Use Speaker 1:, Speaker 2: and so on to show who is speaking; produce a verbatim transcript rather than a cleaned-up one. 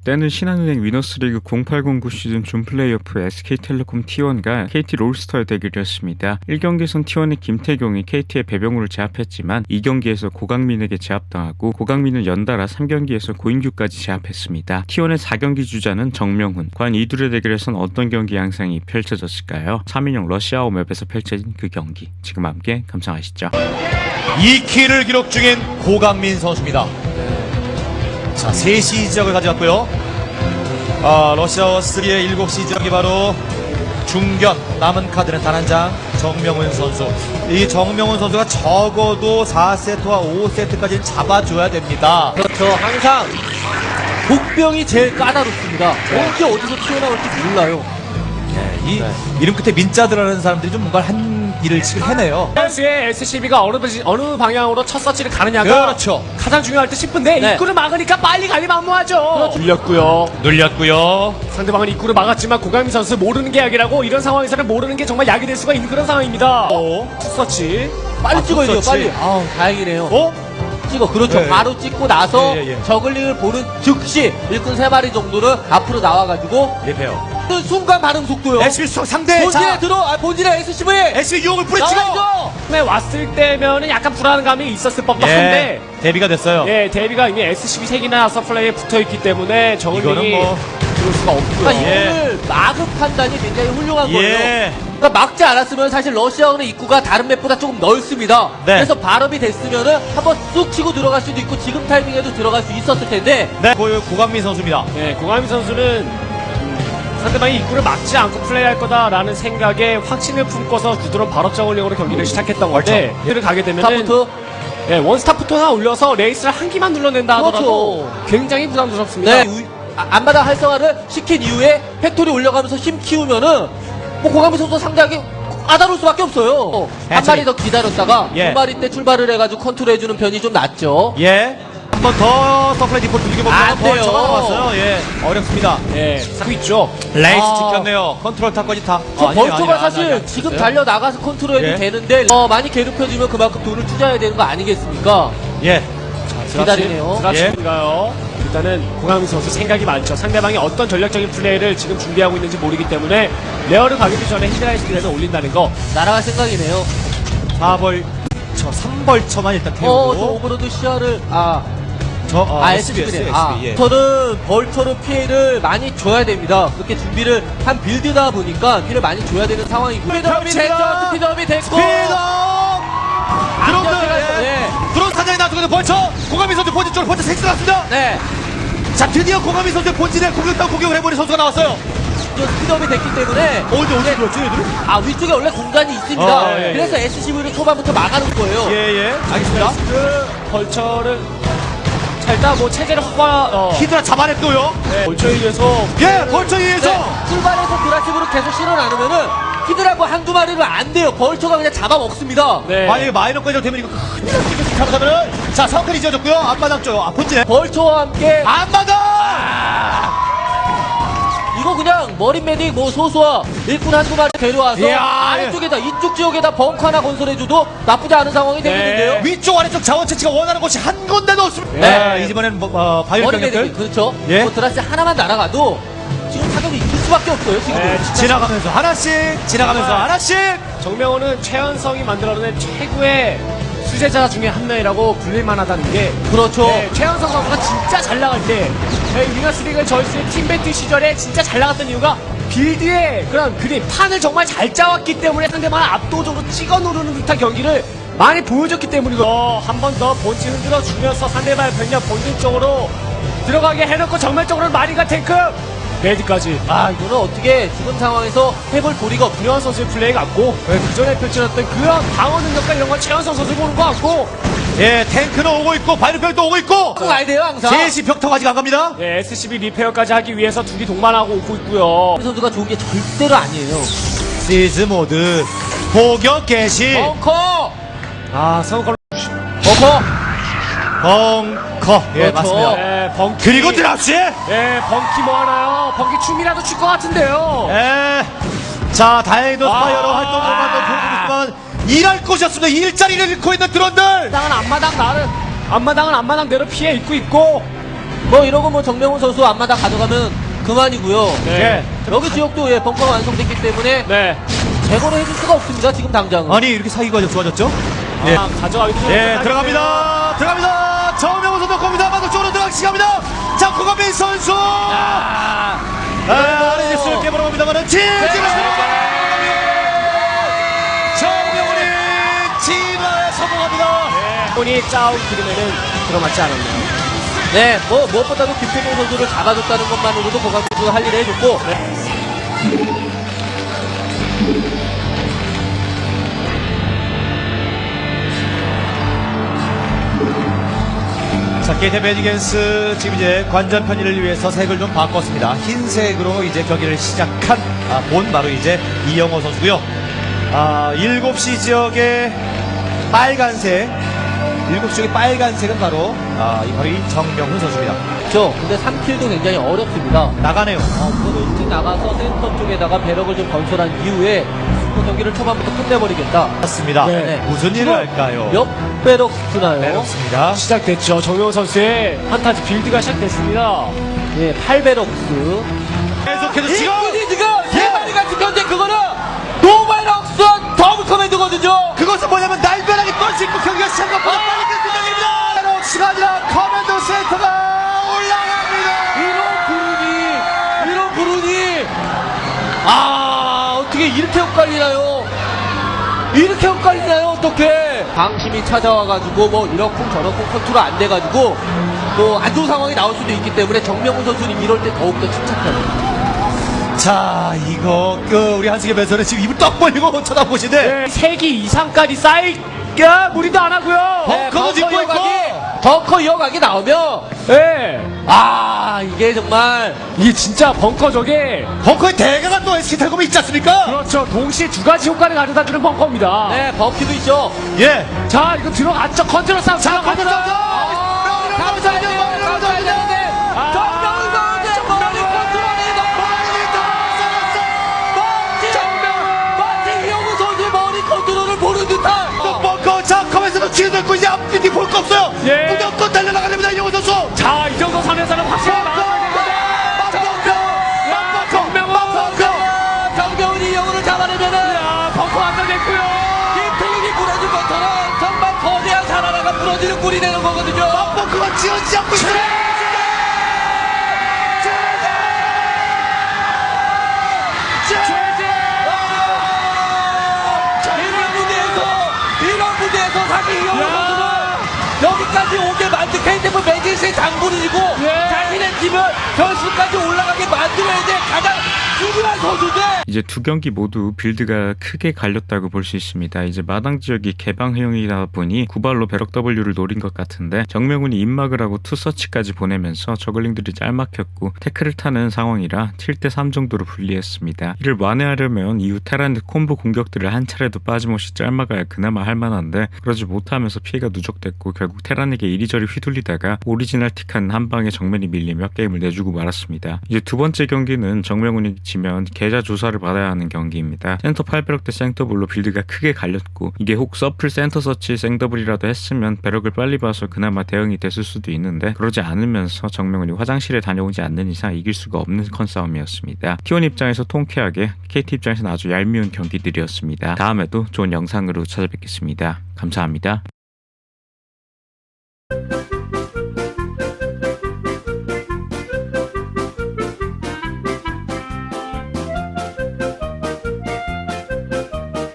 Speaker 1: 때는 신한은행 위너스리그 공팔공구 시즌 준 플레이오프 에스케이텔레콤 티원과 케이티 롤스터의 대결이었습니다. 일 경기에선 티원의 김태경이 케이티의 배병우를 제압했지만 이 경기에서 고강민에게 제압당하고 고강민은 연달아 삼 경기에서 고인규까지 제압했습니다. 티원의 사 경기 주자는 정명훈. 과연 이 둘의 대결에선 어떤 경기 양상이 펼쳐졌을까요? 삼 인용 러시아워 맵에서 펼쳐진 그 경기 지금 함께 감상하시죠.
Speaker 2: 이 킬을 기록 중인 고강민 선수입니다. 자, 세 시 지역을 가져갔고요. 아, 러시아워 쓰리의 일곱 시 지역이 바로 중견. 남은 카드는 단 한 장. 정명훈 선수. 이 정명훈 선수가 적어도 사 세트와 오 세트까지는 잡아줘야 됩니다.
Speaker 3: 그렇죠. 항상 복병이 제일 까다롭습니다. 언제 어디서 튀어나올지 몰라요.
Speaker 2: 네, 이 이름 끝에 민자 들어가는 사람들이 좀 뭔가 한 일을 지금 해내요.
Speaker 4: 선수의 에스씨비가 어느, 어느 방향으로 첫 서치를 가느냐가
Speaker 2: 그렇죠.
Speaker 4: 가장 중요할 듯 싶은데
Speaker 3: 네.
Speaker 4: 입구를 막으니까 빨리 가리 만무하죠. 눌렸고요.
Speaker 2: 눌렸고요.
Speaker 4: 상대방은 입구를 막았지만 고강민 선수 모르는 게 약이라고 이런 상황에서는 모르는 게 정말 약이 될 수가 있는 그런 상황입니다.
Speaker 2: 어?
Speaker 4: 첫 서치.
Speaker 3: 빨리
Speaker 2: 아,
Speaker 3: 찍어야 돼요,
Speaker 2: 그렇지.
Speaker 3: 빨리. 아우, 다행이네요.
Speaker 2: 어?
Speaker 3: 찍어, 그렇죠.
Speaker 2: 네.
Speaker 3: 바로 찍고 나서
Speaker 2: 예, 예, 예.
Speaker 3: 저글링을 보는 즉시 일꾼 세 마리 정도를 앞으로 나와가지고
Speaker 2: 리페어.
Speaker 3: 그 순간 반응 속도요.
Speaker 2: 에스비 수 상대.
Speaker 3: 본진에
Speaker 2: 자,
Speaker 3: 들어, 아, 본진에 에스씨브이
Speaker 2: 에스비 유혹을 뿌리치고.
Speaker 3: 나와야죠.
Speaker 4: 처음에 왔을 때면은 약간 불안감이 있었을 법도
Speaker 2: 예.
Speaker 4: 한데
Speaker 2: 데뷔가 됐어요.
Speaker 4: 예, 데뷔가 이미 에스씨비 세 개나 서플라이에 붙어있기 때문에 저글링이
Speaker 2: 이거는 뭐
Speaker 4: 들어올 수가 없고요.
Speaker 3: 그러니까
Speaker 2: 예.
Speaker 3: 이거를 막을 판단이 굉장히 훌륭한
Speaker 2: 예.
Speaker 3: 거예요. 그러니까 막지 않았으면 사실 러시아어는 입구가 다른 맵보다 조금 넓습니다.
Speaker 2: 네.
Speaker 3: 그래서 발업이 됐으면은 한번 쑥 치고 들어갈 수도 있고 지금 타이밍에도 들어갈 수 있었을 텐데
Speaker 2: 네, 고, 고강민 선수입니다.
Speaker 4: 예, 고강민 선수는 음, 상대방이 입구를 막지 않고 플레이할 거다라는 생각에 확신을 품고서 구드론 발업 저글링으로 경기를 시작했던 건데 이를 가게 되면은
Speaker 3: 스타부터
Speaker 4: 예, 원스타부터 하나 올려서 레이스를 한 기만 눌러낸다 하더라도
Speaker 3: 그렇죠.
Speaker 4: 굉장히 부담스럽습니다.
Speaker 3: 네, 우- 아, 앞마당 활성화를 시킨 이후에 팩토리 올려가면서 힘 키우면은 뭐 고강민 선수 상대하기 까다로울 수밖에 없어요. 한
Speaker 2: 해처리.
Speaker 3: 마리 더 기다렸다가
Speaker 2: 예.
Speaker 3: 두 마리 때 출발을 해가지고 컨트롤해주는 편이 좀 낫죠.
Speaker 2: 예. 한 번 더 서플라이 디폴트 이겨보면
Speaker 3: 안 돼요.
Speaker 2: 벌처가 나왔어요. 예. 어렵습니다.
Speaker 4: 예, 사고 있죠.
Speaker 2: 레이스
Speaker 3: 아.
Speaker 2: 지켰네요. 컨트롤 타까지 타.
Speaker 3: 저
Speaker 2: 아, 아니에요,
Speaker 3: 벌초가
Speaker 2: 아니에요.
Speaker 3: 사실
Speaker 2: 아니, 아니,
Speaker 3: 지금
Speaker 2: 아니,
Speaker 3: 달려 나가서 컨트롤해도
Speaker 2: 예.
Speaker 3: 되는데 어, 많이 괴롭혀주면 그만큼 돈을 투자해야 되는 거 아니겠습니까?
Speaker 2: 예.
Speaker 3: 기다리네요.
Speaker 4: 드라치인가요? 일단은 고강민 선수 생각이 많죠. 상대방이 어떤 전략적인 플레이를 지금 준비하고 있는지 모르기 때문에 레어를 가기도 전에 히드라이스를 올린다는 거.
Speaker 3: 날아갈 생각이네요.
Speaker 2: 사 벌, 저 삼 벌처만 일단
Speaker 3: 어, 저
Speaker 2: 태우고.
Speaker 3: 오버로드 시야를 아,
Speaker 2: 저, 어,
Speaker 3: 아,
Speaker 2: 에스비,
Speaker 3: 에스비네.
Speaker 2: 에스비,
Speaker 3: 아,
Speaker 2: 예.
Speaker 3: 저는 벌처로 피해를 많이 줘야 됩니다. 그렇게 준비를 한 빌드다 보니까 피해를 많이 줘야 되는 상황이고. 스피드업이 됐죠. 스피드업이 됐고.
Speaker 2: 스피더! 드론들!
Speaker 3: 안정세가-
Speaker 2: 예.
Speaker 3: 네.
Speaker 2: 드론 사장이 나왔거든요. 벌처! 고가민 선수 본진 쪽으로 벌처 섹스 났습니다.
Speaker 3: 네.
Speaker 2: 자, 드디어 고가민 선수의 본진에 공격당 공격을 해버린 선수가 나왔어요.
Speaker 3: 저 스피드업이 됐기 때문에
Speaker 2: 어, 근데 어디 들어왔지, 얘들은?
Speaker 3: 아, 위쪽에 원래 공간이 있습니다.
Speaker 2: 어, 예, 예.
Speaker 3: 그래서 에스씨브이를 초반부터 막아놓은 거예요.
Speaker 2: 예, 예. 알겠습니다.
Speaker 4: 그 벌처를 자, 일단 뭐 체제를 확보하 어,
Speaker 2: 히드라 잡아냈고요.
Speaker 4: 네, 벌처에 의해서
Speaker 2: 예, 벌처에 의해서.
Speaker 3: 네, 출발해서 드라식으로 계속 실어 나누면은 히드라고 한두 마리는 안 돼요. 벌처가 그냥 잡아먹습니다.
Speaker 4: 네.
Speaker 2: 만약에 마이너까지 되면 이거 큰일 날 수 있겠어. 잘못하면은. 자, 상클이 지어졌고요. 앞마당 쪽, 아, 본진에.
Speaker 3: 벌처와 함께
Speaker 2: 앞마당!
Speaker 3: 이거 그냥 머린 메딕 뭐 소수와 일꾼 한두 마리 데려와서
Speaker 2: 이야,
Speaker 3: 아래쪽에다 이쪽 지역에다 벙커 하나 건설해줘도 나쁘지 않은 상황이 되겠는데요.
Speaker 2: 위쪽 아래쪽 자원 채취가 원하는 곳이 한 군데도 없습니다.
Speaker 3: 네.
Speaker 2: 네. 이번에는 뭐, 어, 바이오
Speaker 3: 머린
Speaker 2: 병력들
Speaker 3: 메딕 그렇죠.
Speaker 2: 예.
Speaker 3: 뭐 드라시 하나만 날아가도 지금 타격이 있을 수밖에 없어요. 지금.
Speaker 4: 네, 진짜
Speaker 2: 지나가면서 하나씩 지나가면서
Speaker 4: 정말.
Speaker 2: 하나씩.
Speaker 4: 정명호는 최연성이 만들어낸 최고의 수제자 중에 한 명이라고 불릴만하다는 게
Speaker 3: 그렇죠.
Speaker 4: 네, 최연성 선수가 진짜 잘 나갈 때 네, 위너스리그 저희스 팀배틀 시절에 진짜 잘 나갔던 이유가 빌드의 그런 그림 판을 정말 잘 짜왔기 때문에 상대방을 압도적으로 찍어 누르는 듯한 경기를 많이 보여줬기 때문이고 한 번 더 본진 흔들어 주면서 상대방의 병력 본진 쪽으로 들어가게 해놓고 정면적으로 마리가 탱크 레드까지
Speaker 3: 아 이거는 어떻게 지금 상황에서 해볼 도리가 없.
Speaker 4: 김현 선수의 플레이 같고 네, 그 전에 펼쳐졌던 그런 방어 능력과 이런 건 최연성 선수 보는 것 같고
Speaker 2: 예, 탱크는 오고 있고 바이오병도 오고 있고.
Speaker 3: 꼭 와야 돼요 항상.
Speaker 2: 제시 벽타가 아직 안 갑니다.
Speaker 4: 네, 에스씨비 리페어까지 하기 위해서 둘이 동반하고 오고 있고요.
Speaker 3: 이 선수가 좋은 게 절대로 아니에요.
Speaker 2: 시즈 모드 포격 개시.
Speaker 3: 벙커.
Speaker 4: 아, 성우컬
Speaker 3: 벙커.
Speaker 2: 벙커. 예,
Speaker 3: 그렇죠.
Speaker 2: 맞습니다.
Speaker 4: 네, 벙키.
Speaker 2: 그리고 드랍시.
Speaker 4: 네, 벙키 뭐 하나요? 벙키 춤이라도 출 것 같은데요.
Speaker 2: 예. 자, 다행히도
Speaker 4: 아.
Speaker 2: 스파이어로 활동을 보고 있지만 일할 곳이었습니다. 일자리를 잃고 있는 드론들.
Speaker 4: 앞마당은 앞마당 나를 앞마당은 앞마당대로 피해 입고 있고
Speaker 3: 뭐 이러고 뭐 정명훈 선수 앞마다 가져가면 그만이고요.
Speaker 4: 네.
Speaker 3: 여기 지역도 예, 벙커가 완성됐기 때문에
Speaker 4: 네.
Speaker 3: 제거를 해줄 수가 없습니다. 지금 당장은.
Speaker 2: 아니 이렇게 사기가 좋아졌죠? 예.
Speaker 4: 아, 가져가기도 좀
Speaker 2: 예,
Speaker 4: 하기
Speaker 2: 들어갑니다. 들어갑니다. 정명훈 선수 겁니다. 마도 쪽으로 들어가기 시작합니다. 자, 고강민 선수. 아, 아래 입술 깨물어봅니다만은 지지가 정명훈이 진화에 성공합니다.
Speaker 4: 때문에 짜온 그림에는 들어맞지 않았네요.
Speaker 3: 네, 뭐 무엇보다도 김태경 선수를 잡아줬다는 것만으로도 고강민 선수가 할 일을 해줬고.
Speaker 2: 자, 케이티 매지겐스 지금 이제 관전 편의를 위해서 색을 좀 바꿨습니다. 흰색으로 이제 경기를 시작한 아, 본 바로 이제 이영호 선수고요. 아, 일곱 시 지역의 빨간색, 일곱 시 지역의 빨간색은 바로 아, 이 바로 이 정명훈 선수입니다.
Speaker 3: 그렇죠. 근데 삼 킬도 굉장히 어렵습니다.
Speaker 2: 나가네요.
Speaker 3: 어, 우선은 일찍 나가서 센터 쪽에다가 배럭을 좀 건설한 이후에 그 경기를 초반부터 끝내버리겠다.
Speaker 2: 맞습니다.
Speaker 3: 네.
Speaker 2: 무슨 일을 할까요?
Speaker 3: 몇 배럭 쓰나요?
Speaker 2: 그렇습니다.
Speaker 4: 시작됐죠. 정명훈 선수의 판타지 빌드가 시작됐습니다.
Speaker 3: 예, 팔 배럭 스.
Speaker 2: 계속해서 지금
Speaker 3: 이분이 지금 세 마리가 지켰는데 그거는 노바이럭스 더블 커맨드거든요.
Speaker 2: 그것은 뭐냐면 날벼락이 떨수 있고 경기가 시작한 것보다 빨리 끝납니다. 베럭스가 아니라 커맨더 센터가 올라갑니다.
Speaker 3: 이런 부르니, 이런 부르니. 아, 어떻게 이렇게 엇갈리나요? 이렇게 엇갈리나요? 어떻게? 방심이 찾아와가지고 뭐 이렇쿵 저렇쿵 컨트롤 안 돼가지고 뭐 안 좋은 상황이 나올 수도 있기 때문에 정명훈 선수는 이럴 때 더욱더 침착합니다.
Speaker 2: 자, 이거 그 우리 한승의 배설은 지금 입을 떡 벌리고 쳐다보시는데
Speaker 4: 네. 세 기 이상까지 쌓일까 무리도 안 하고요.
Speaker 3: 네,
Speaker 2: 벙커도 짓고 있고.
Speaker 3: 벙커 이어가기 나오면
Speaker 4: 네.
Speaker 3: 아 이게 정말
Speaker 4: 이게 진짜 벙커 저게
Speaker 2: 벙커의 대가가 또 에스케이텔레콤이 있지 않습니까?
Speaker 4: 그렇죠. 동시에 두 가지 효과를 가져다 주는 벙커입니다.
Speaker 3: 네 버키도 있죠.
Speaker 2: 예.
Speaker 4: 자, 이거 들어갔죠. 컨트롤 싸움
Speaker 2: 자,
Speaker 4: 들어갔죠.
Speaker 2: 컨트롤 싸움!
Speaker 3: 아, 감사해야 돼요. 감사해야 되는데 정명훈 선수의 머리 컨트롤이 너무 멋지. 멋지 이영우 선수의 머리 컨트롤을 보는 듯한.
Speaker 2: 또 벙커 자, 커맨서도 치어들고 이제 앞뒤 볼 거 없어요.
Speaker 4: 예.
Speaker 2: 무조건 달려나가렵니다, 이영호 선수.
Speaker 4: 자, 이 정도 선에서는 확실히
Speaker 3: 정명훈이 이영우를 잡아내면은
Speaker 4: 야, 벙커 완성됐고요.
Speaker 3: 김태균이 부러진 것처럼 정말 거대한 사나라가 부러지는 꼴이 되는 거거든요.
Speaker 2: 벙커가 지어지지 않고 있어요.
Speaker 3: 이런 무대에서 이런 무대에서 사실 이영우 선수는 여기까지 오게 만든 케이티에프 매진스의 장본인이고
Speaker 4: 예.
Speaker 3: 자신의 팀을 결승까지 올라가게 만들어야 돼 가장 중요한 선수인데.
Speaker 1: 이제 두 경기 모두 빌드가 크게 갈렸다고 볼 수 있습니다. 이제 마당 지역이 개방형이다 보니 구발로 배럭 W를 노린 것 같은데 정명훈이 입막을 하고 투서치까지 보내면서 저글링들이 짤막혔고 태클을 타는 상황이라 칠 대 삼 정도로 불리했습니다. 이를 완화하려면 이후 테란의 콤보 공격들을 한 차례도 빠짐없이 짤막아야 그나마 할만한데 그러지 못하면서 피해가 누적됐고 결국 테란에게 이리저리 휘둘리다가 오리지널틱한 한 방에 정면이 밀리며 게임을 내주고 말았습니다. 이제 두 번째 경기는 정명훈이 지면 계좌 조사를 받아야 하는 경기입니다. 센터 팔 배럭 대 생더블로 빌드가 크게 갈렸고 이게 혹 서플 센터 서치 생더블이라도 했으면 배럭을 빨리 봐서 그나마 대응이 됐을 수도 있는데 그러지 않으면서 정명훈이 화장실에 다녀오지 않는 이상 이길 수가 없는 컨싸움이었습니다. 티원 입장에서 통쾌하게 케이티 입장에서는 아주 얄미운 경기들이었습니다. 다음에도 좋은 영상으로 찾아뵙겠습니다. 감사합니다.